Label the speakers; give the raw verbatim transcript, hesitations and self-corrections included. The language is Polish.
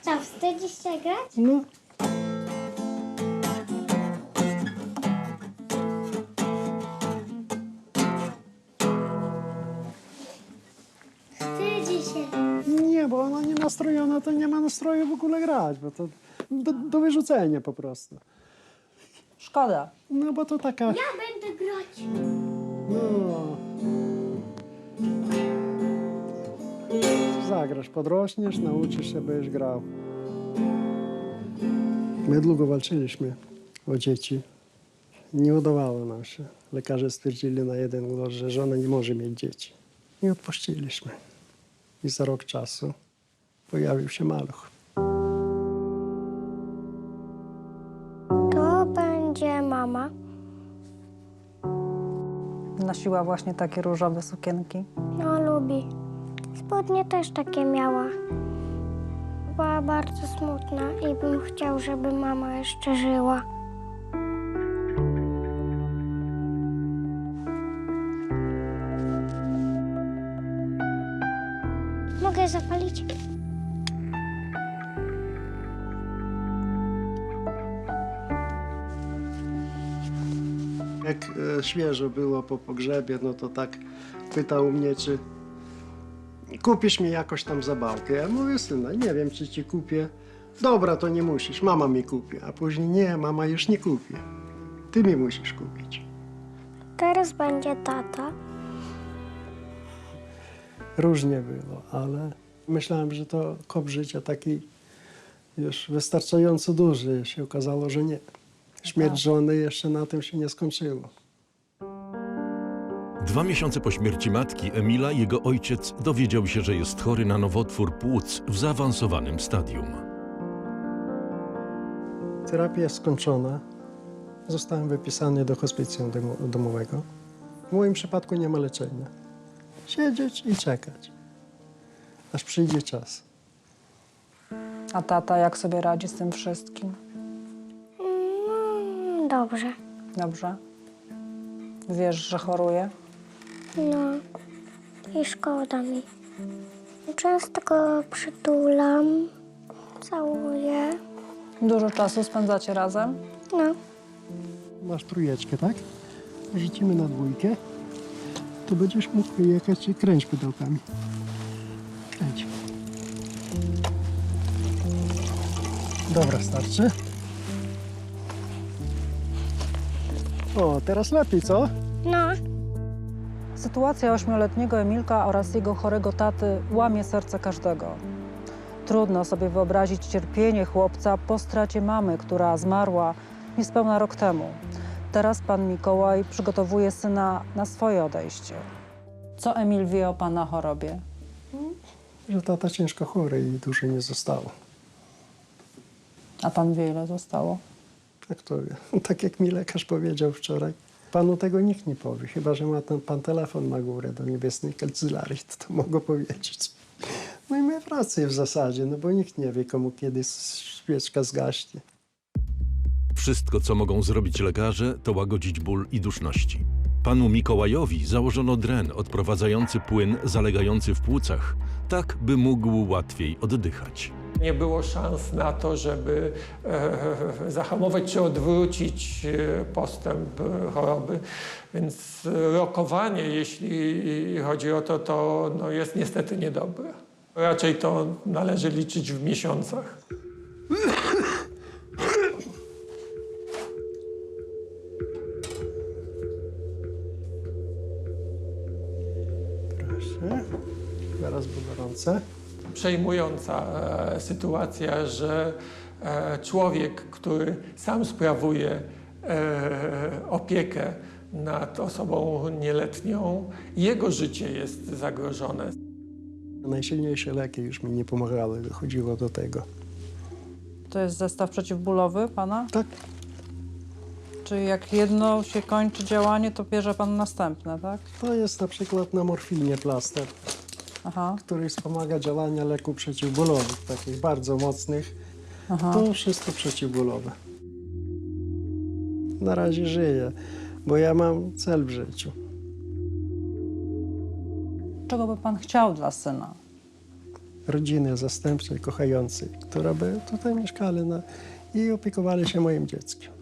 Speaker 1: Co, wstydzisz się grać?
Speaker 2: No,
Speaker 1: Wstydzi się.
Speaker 2: nie, bo ona nie nastrojona, to nie ma nastroju w ogóle grać, bo to do, do wyrzucenia po prostu.
Speaker 3: Szkoda.
Speaker 2: No bo to taka...
Speaker 1: Ja będę grać.
Speaker 2: No. Zagrasz, podrośniesz, nauczysz się, będziesz grał. My długo walczyliśmy o dzieci. Nie udawało nam się. Lekarze stwierdzili na jeden głos, że żona nie może mieć dzieci. I odpuściliśmy. I za rok czasu pojawił się maluch.
Speaker 1: To będzie mama.
Speaker 3: Nosiła właśnie takie różowe sukienki.
Speaker 1: No, lubi. Spodnie też takie miała. Była bardzo smutna i bym chciał, żeby mama jeszcze żyła. Mogę zapalić?
Speaker 2: Jak e, świeżo było po pogrzebie, no to tak pytał mnie, czy kupisz mi jakoś tam zabawkę. Ja mówię, syna, nie wiem, czy ci kupię. Dobra, to nie musisz, mama mi kupi. A później, nie, mama już nie kupi. Ty mi musisz kupić.
Speaker 1: Teraz będzie tata.
Speaker 2: Różnie było, ale myślałem, że to kop życia taki już wystarczająco duży. Się okazało, że nie. Śmierć żony jeszcze na tym się nie skończyło.
Speaker 4: Dwa miesiące po śmierci matki Emila jego ojciec dowiedział się, że jest chory na nowotwór płuc w zaawansowanym stadium.
Speaker 2: Terapia jest skończona. Zostałem wypisany do hospicjum domo- domowego. W moim przypadku nie ma leczenia. Siedzieć i czekać, aż przyjdzie czas.
Speaker 3: A tata jak sobie radzi z tym wszystkim?
Speaker 1: Mm, dobrze.
Speaker 3: Dobrze. Wiesz, że choruje?
Speaker 1: No i szkoda mi. Często go przytulam, całuję.
Speaker 3: Dużo czasu spędzacie razem?
Speaker 1: No,
Speaker 2: Masz trójeczkę, tak? Rzucimy na dwójkę. To będziesz mógł jechać i kręć pudełkami. Kręć. Dobra, starczy. O, teraz lepiej, co?
Speaker 1: no.
Speaker 3: Sytuacja ośmioletniego Emilka oraz jego chorego taty łamie serce każdego. Trudno sobie wyobrazić cierpienie chłopca po stracie mamy, która zmarła niespełna rok temu. Teraz pan Mikołaj przygotowuje syna na swoje odejście. Co Emil wie o pana chorobie?
Speaker 2: Że tata ciężko chory i dużo nie zostało.
Speaker 3: A pan wie, ile zostało?
Speaker 2: Tak to wie. Tak jak mi lekarz powiedział wczoraj. Panu tego nikt nie powie, chyba że ma ten pan telefon na górę do niebiesnej kancelarii, to, to mogę powiedzieć. No i my wracamy w zasadzie, no bo nikt nie wie, komu kiedy świeczka zgaśnie.
Speaker 4: Wszystko, co mogą zrobić lekarze, to łagodzić ból i duszności. Panu Mikołajowi założono dren odprowadzający płyn zalegający w płucach, tak by mógł łatwiej oddychać.
Speaker 5: Nie było szans na to, żeby e, zahamować czy odwrócić e, postęp e, choroby, więc rokowanie, jeśli chodzi o to, to no, jest niestety niedobre. Raczej to należy liczyć w miesiącach.
Speaker 2: Proszę. Zaraz było gorące.
Speaker 5: Przejmująca e, sytuacja, że e, człowiek, który sam sprawuje e, opiekę nad osobą nieletnią, jego życie jest zagrożone.
Speaker 2: Najsilniejsze leki już mi nie pomagały, dochodziło do tego.
Speaker 3: To jest zestaw przeciwbólowy pana?
Speaker 2: Tak,
Speaker 3: Czy jak jedno się kończy działanie, to bierze pan następne, tak?
Speaker 2: to jest na przykład na morfinie plaster,
Speaker 3: Aha,
Speaker 2: który wspomaga działania leków przeciwbólowych, takich bardzo mocnych.
Speaker 3: aha.
Speaker 2: To wszystko przeciwbólowe. Na razie żyję, bo ja mam cel w życiu.
Speaker 3: Czego by pan chciał dla syna?
Speaker 2: rodziny zastępczej, kochającej, która by tutaj mieszkali na, i opiekowali się moim dzieckiem.